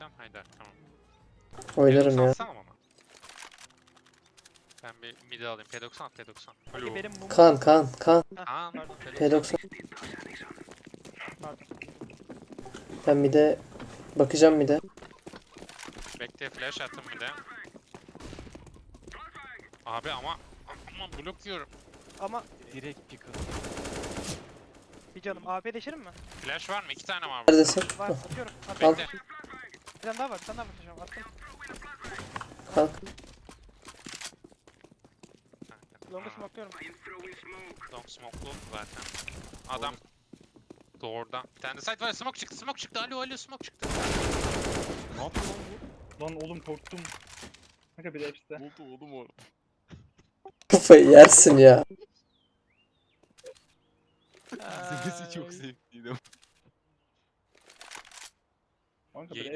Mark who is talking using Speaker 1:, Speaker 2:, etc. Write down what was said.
Speaker 1: oynayacağım. Haydi tamam.
Speaker 2: Oynarım ya.
Speaker 1: Alsana bana. Ben bir midi alayım. P90 at P90.
Speaker 3: Hadi benim mumum.
Speaker 2: Kan.
Speaker 1: Kaan
Speaker 3: Pardon.
Speaker 2: P90.
Speaker 3: Pardon.
Speaker 2: Ben bir de bakacağım bir de.
Speaker 1: Bekle flash attım bir de. Abi ama blok yiyorum.
Speaker 3: Ama
Speaker 4: Direkt pick up.
Speaker 3: bir canım. AP deşerim mi?
Speaker 1: Flash var mı? 2 tane var burada.
Speaker 2: Neredesin?
Speaker 3: Var. Atıyorum. At.
Speaker 2: Al.
Speaker 1: Bekle.
Speaker 3: Bir tane daha var. Bir tane daha var. Hocam. Attım.
Speaker 2: Kalk.
Speaker 3: Long'u smoke'luyorum.
Speaker 1: Long smoke'lu zaten. Adam doğrudan. Bir tane de site var. Smoke çıktı. Smoke çıktı. Alo smoke çıktı.
Speaker 5: Ne yapıyor lan bu? Lan oğlum korktum. Kanka bir de hepsi de.
Speaker 4: Oldu oğlum orada.
Speaker 2: Kafayı yersin ya.
Speaker 4: İzlemesi çok zevkliydi.
Speaker 5: Kanka bir de